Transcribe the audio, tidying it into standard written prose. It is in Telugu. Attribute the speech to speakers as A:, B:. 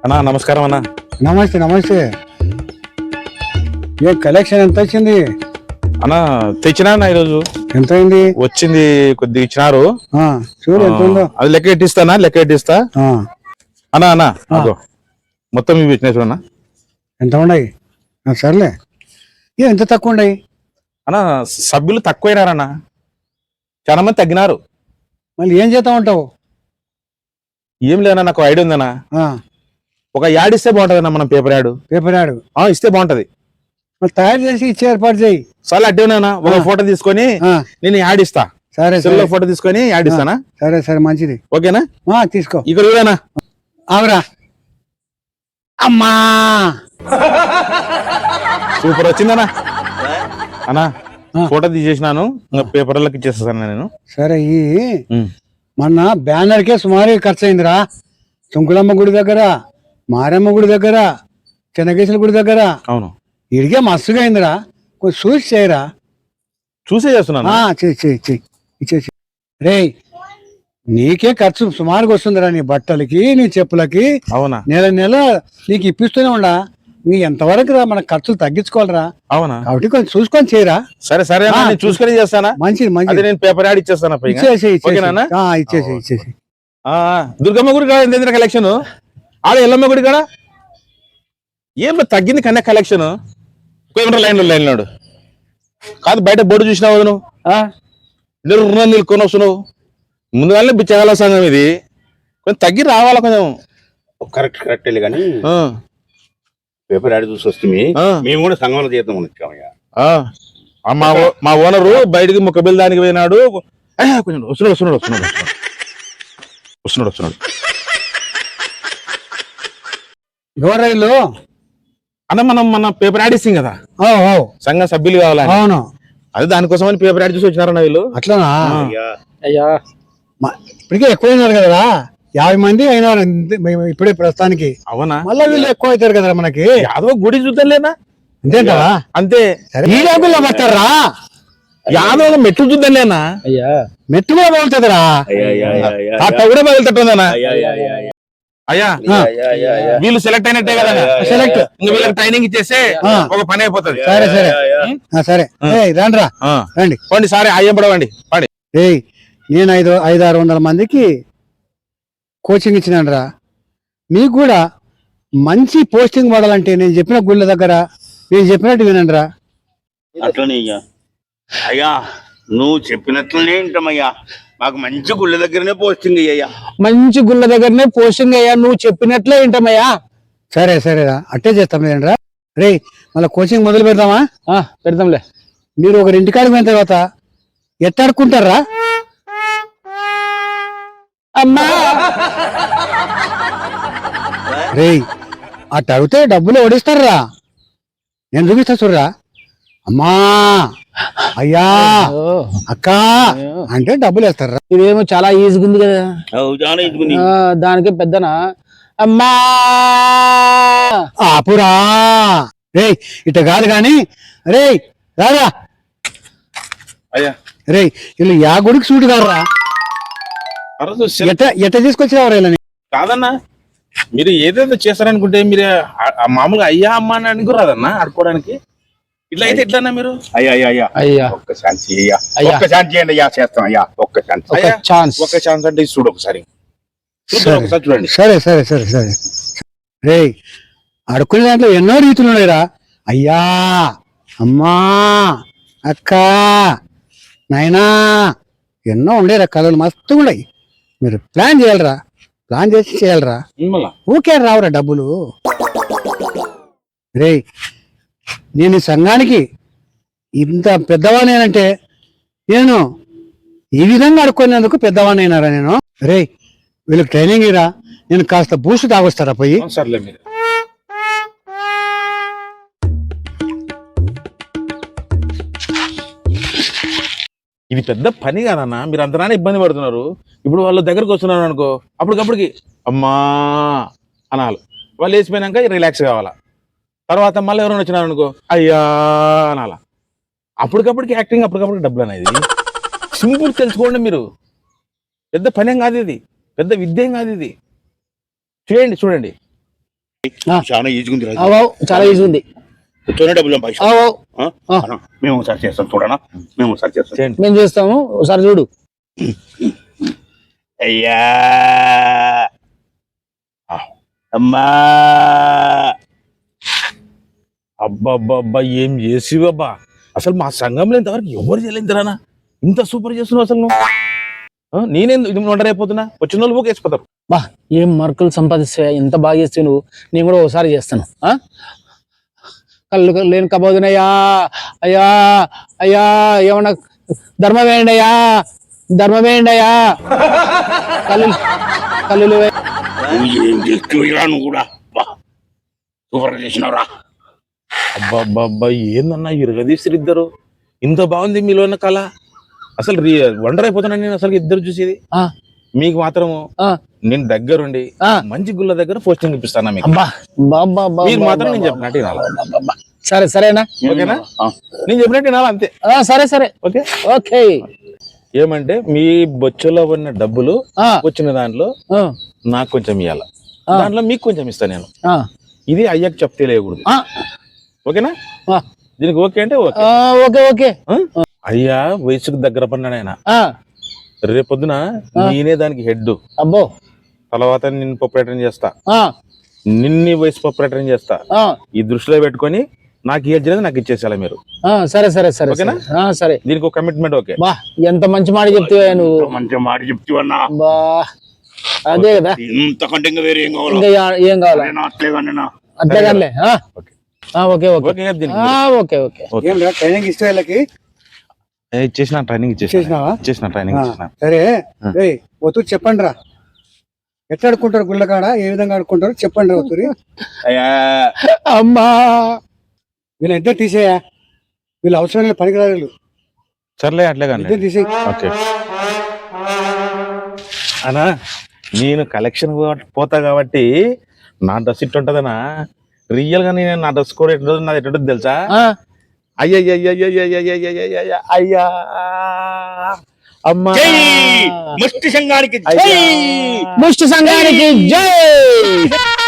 A: అన్నా నమస్కారం అన్నా.
B: నమస్తే నమస్తే. ఏ కలెక్షన్ ఎంత వచ్చింది?
A: అన్నా తెచ్చినా అన్న ఈరోజు.
B: ఎంత అయింది?
A: వచ్చింది కొద్దిగా ఇచ్చినారు.
B: చూడు ఎంత ఉందో.
A: అది లెక్క ఎట్టిస్తానా? లెక్క ఎట్టిస్తా అన్నా. అన్నా అదో మొత్తం ఇవి ఇచ్చినా చూడన్నా.
B: ఎంత ఉన్నాయి? సర్లే. ఎంత తక్కువ ఉన్నాయి
A: అన్నా? సభ్యులు తక్కువైనారన్నా, చాలా మంది తగ్గినారు.
B: మళ్ళీ ఏం చేస్తా ఉంటావు?
A: ఏం లేదన్నా, నాకు ఐడియా ఉందన్నా. ఒక యాడ్ ఇస్తే బాగుంటదన్నా. మనం పేపర్ యాడ్ ఇస్తే బాగుంటది.
B: మరి తయారు చేసి ఇచ్చే ఏర్పాటు చేయి.
A: సరే అడ్డేనా, ఒక ఫోటో తీసుకొని నేను యాడ్ ఇస్తా.
B: సరే
A: ఫోటో తీసుకొని యాడ్ ఇస్తానా?
B: సరే సరే మంచిది.
A: ఓకేనా?
B: తీసుకో.
A: ఇక్కడ చూడనా.
B: ఆవరా అమ్మా,
A: సూపర్ వచ్చిందనా. అన్నా ఫోటో తీసేసినాను, పేపర్లకు ఇచ్చేస్తాను నేను.
B: సరే. మొన్న బ్యానర్కే సుమారు ఖర్చు అయిందిరా. సుంకులమ్మ గుడి దగ్గర, మారమ్మ గుడి దగ్గర, చెన్నకేశ్వర గుడి దగ్గర.
A: అవును,
B: ఇడిగే మస్తుగా అయిందిరా. కొంచెం చూసి చేయరా.
A: చూసే చేస్తున్నాను.
B: ఇచ్చేసి రే, నీకే ఖర్చు సుమారుగా వస్తుందిరా. నీ బట్టలకి, నీ చెప్పులకి.
A: అవునా?
B: నెల నెల నీకు ఇప్పిస్తూనే ఉండా. నీ ఎంతవరకు రా, మన ఖర్చులు తగ్గించుకోవాలరా.
A: అవునా?
B: కాబట్టి కొంచెం చూసుకొని చేయరా.
A: సరే సరే చూసుకొని చేస్తానా.
B: మంచిది మంచిది.
A: నేను పేపర్ యాడ్ ఇచ్చేస్తాను.
B: ఇచ్చేసి
A: దుర్గమ్మ గుడి కాడ ఎంత కలెక్షన్, ఆడ ఎల్లమ్మ గుడి కాడ ఏం తగ్గింది కన్నా కలెక్షన్. లైన్ కాదు, బయట బోర్డు చూసినావు నువ్వు, నిలుకొని వస్తున్నావు. ముందుగానే బిచ్చగాల సంఘం ఇది, కొంచెం తగ్గి రావాలా కొంచెం.
C: కరెక్ట్ కానీ పేపర్ యాడ్ చూసి వస్తుంది. మేము కూడా సంఘంలో చేద్దాం వచ్చామయ్యా.
A: మా ఓనరు బయటికి ముక్కబిల్ దానికి పోయినాడు. కొంచెం వస్తున్నాడు.
B: ఎవరైలు
A: అన్న, మనం మన పేపర్ యాడ్ ఇస్తాం కదా, సంఘ సభ్యులు కావాలని.
B: అవును,
A: అదే దానికోసమని పేపర్ యాడ్ చూసి వచ్చినారన్న వీళ్ళు.
B: అట్లానా? అయ్యా ఇప్పటికే ఎక్కువైనారు కదా, 50 మంది అయినారు ఇప్పుడే ప్రస్తుతానికి.
A: అవునా?
B: మళ్ళీ వీళ్ళు ఎక్కువ అవుతారు కదా మనకి.
A: యాదవ గుడి చూద్దాంలేనా?
B: అంతేంటా?
A: అంతే.
B: ఈ రంగుల్లో పడతారా?
A: యాదవ మెట్లు చూద్దాంలేనా?
B: మెట్టు కూడా పగులుతుందిరా.
A: కూడా పగులుతుందనా? అయ్యా వీళ్ళు సెలెక్ట్ అయినట్టే కదా.
B: సెలెక్ట్
A: ఇంకా వీళ్ళకి ట్రైనింగ్ ఇచ్చేస్తే ఒక పని అయిపోతుంది.
B: సరే సరే సరే. రండి రండి
A: పండి. సరే అయ్యం పడవండి పండి.
B: నేను 500-600 మందికి కోచింగ్ ఇచ్చినాను రా. మీకు కూడా మంచి పోస్టింగ్ పడాలంటే నేను చెప్పిన గుళ్ళ దగ్గర నేను చెప్పినట్టు వినండి రా.
C: అట్లనే అయ్యా, నువ్వు చెప్పినట్లనే వింటామయ్యా. మాకు మంచి గుళ్ళ దగ్గరనే పోస్టింగ్ అయ్యా.
D: మంచి గుళ్ళ దగ్గరనే పోస్టింగ్ అయ్యా, నువ్వు చెప్పినట్లే వింటామయ్యా.
B: సరే సరేరా, అట్టే చేస్తాం లేదండి. రే, మళ్ళీ కోచింగ్ మొదలు పెడదామా?
D: పెడతాంలే.
B: మీరు ఒకరి ఇంటికాడికి పోయిన తర్వాత ఎట్టాడుకుంటారా?
D: అమ్మా
B: రే, అట్ట అడిగితే డబ్బులు ఓడిస్తారా. నేను చూపిస్తా చూడరా. అమ్మా, అయ్యా, అక్క అంటే డబ్బులు వేస్తారా.
D: ఇదేమో చాలా ఈజీగా ఉంది కదా. దానికి పెద్దనా అమ్మా
B: ఆపురా. రే, ఇట కాదు గాని. రే రారా.
A: అయ్యా
B: రే, వీళ్ళు యా గుడికి సూటు కాదురా. ఎట్ట తీసుకొచ్చేవారు వీళ్ళని?
A: కాదన్నా, మీరు ఏదైతే చేస్తారనుకుంటే మీరు మామూలుగా అయ్యా అమ్మ అని అనుకురాదన్నా ఆడుకోవడానికి. ఇట్లా అయితే ఎట్లన్నా మీరు?
C: అయ్యా ఒక్క ఛాన్స్ చేయండి అయ్యా. చేస్తాం అయ్యా. ఒక్క ఛాన్స్ అంటే చూడు ఒకసారి చూడండి.
B: సరే సరే సరే సరే. రే, ఆడుకునే దాంట్లో ఎన్నో రీతులు ఉన్నాయిరా. అయ్యా, అమ్మా, అక్క, నాయనా, ఎన్నో ఉండేరా కళలు. మస్తుగా ఉన్నాయి. మీరు ప్లాన్ చేయాలరా. ప్లాన్ చేసి చేయాలరా. ఊకే రావురా డబ్బులు. రే, నేను ఈ సంఘానికి ఇంత పెద్దవాణేనంటే నేను ఈ విధంగా అడుక్కునేందుకు పెద్దవాణ్ణైనారా నేను. రే, వీళ్ళకి ట్రైనింగ్ ఇరా. నేను కాస్త బూస్ట్ తాగొస్తారా పోయి?
A: సర్లే. మీరు ఇది పెద్ద పని కాదన్నా, మీరు అంతనానే ఇబ్బంది పడుతున్నారు. ఇప్పుడు వాళ్ళ దగ్గరకు వస్తున్నారు అనుకో, అప్పటికప్పటికి అమ్మా అనాలి. వాళ్ళు వేసిపోయినాక రిలాక్స్ కావాలా. తర్వాత మళ్ళీ ఎవరైనా వచ్చినారు అనుకో, అయ్యా అనాలా. అప్పటికప్పటికి యాక్టింగ్, అప్పటికప్పటికి డబ్బులు అనేది. సింపుల్ తెలుసుకోండి మీరు. పెద్ద పనేం కాదు ఇది, పెద్ద విద్యేం కాదు ఇది. చూడండి
C: చాలా ఈజీగా ఉంది
D: అవు చాలా ఈజీ ఉంది.
C: తొనే డబ్బులు సంపాదించు.
D: అవు
C: మేము ఒకసారి చేస్తాం చూడనా, మేము ఒకసారి చేస్తాం.
A: చేయండి.
D: మేము చేస్తాము, ఒకసారి చూడు.
C: అయ్యా అమ్మా
A: అబ్బా ఏం చేసివబ్బా, అసలు మా సంఘంలో ఇంతవరకు ఎవరు చేయలేదురానా, ఇంత సూపర్ చేస్తున్నావు అసలు నువ్వు. నేనేం ఇది వండరైపోతున్నా, వచ్చిన వాళ్ళు వేసిపోతారు.
D: బా ఏం మార్కులు సంపాదిస్తే, ఎంత బాగా చేస్తే నువ్వు. నేను కూడా ఒకసారి చేస్తాను. కళ్ళు లేని కబోదునయ్యా, అయ్యా అయ్యా ఏమన్నా ధర్మం వేయండి అయ్యా, ధర్మం వేయండి అయ్యా. కళ్ళు కళ్ళు
C: ఏం చేస్తున్నావురా నువ్వు కూడా, సూపర్ చేసినావురా.
A: అబ్బా ఏందన్నా ఇరగదీసిరు ఇద్దరు, ఇంత బాగుంది మీలో ఉన్న కళ. అసలు వండర్ అయిపోతున్నాను నేను అసలు ఇద్దరు చూసేది. మీకు మాత్రము నేను దగ్గరుండి మంచి గుళ్ళ దగ్గర పోస్టింగ్ ఇప్పిస్తాను మీకు. మీరు మాత్రం నేను చెప్పినట్టు వినాలి.
D: సరే సరేనా,
A: ఓకేనా? నేను చెప్పినట్టు వినాలి అంతే.
D: సరే సరే
A: ఓకే
D: ఓకే.
A: ఏమంటే మీ బొచ్చులో ఉన్న డబ్బులు వచ్చిన దాంట్లో నాకు కొంచెం ఇవ్వాలి, దాంట్లో మీకు కొంచెం ఇస్తా నేను. ఇది అయ్యాక చెప్తే లేకూడదు, ఓకేనా? దీనికి ఓకే అంటే ఓకే.
D: Okay okay.
A: అయ్యా వయసుకు దగ్గర పడినాడు ఆయన. రేపొద్దున నేనే దానికి హెడ్.
D: అబ్బో.
A: తర్వాత నిన్ను ప్రొపరేటర్ చేస్తా, నిన్ని వయసు ప్రొపరేటర్ చేస్తా. ఈ దృష్టిలో పెట్టుకొని నాకు ఏది జరిగింది నాకు ఇచ్చేసాలా మీరు.
D: సరే సరే సరే
A: ఓకేనా?
D: సరే.
A: దీనికి ఒక కమిట్మెంట్. ఓకే.
D: బా ఎంత మంచి మాట చెప్తావా నువ్వు.
C: మంచి మాట చెప్తావన్నా.
D: బా అదే కదా,
C: ఇంతకంటే ఇంకా వేరే ఏం కావాలి?
D: ఇంకా ఏం కావాలి? అట్లేగానే. Okay okay okay okay.
B: Training ఇస్తే వీళ్ళకి
A: ఇచ్చేసిన ట్రైనింగ్ ఇచ్చేసిన ట్రైనింగ్.
B: సరే ఒత్తురు చెప్పండి రా, ఎట్లా ఆడుకుంటారు గుళ్ళకాడ, ఏ విధంగా ఆడుకుంటారు చెప్పండి రా ఒత్తురి.
D: అమ్మా
B: వీళ్ళ ఇద్దరు తీసేయా, వీళ్ళు అవసరమైన పనికిరాలు.
A: సర్లే అట్లే కానీ
B: ఇద్దరు తీసేయి.
A: ఓకే అనా, నేను కలెక్షన్ పోతా కాబట్టి నా డ్రెస్ ఇట్టు ఉంటదనా. రియల్ గా నేను నా డ్రెస్ కూడా ఎట్టు నాది ఎట్టు తెలుసా? అయ్యా అమ్మా,
C: ముష్టి సంఘానికి
D: ముష్టి సంఘానికి జై.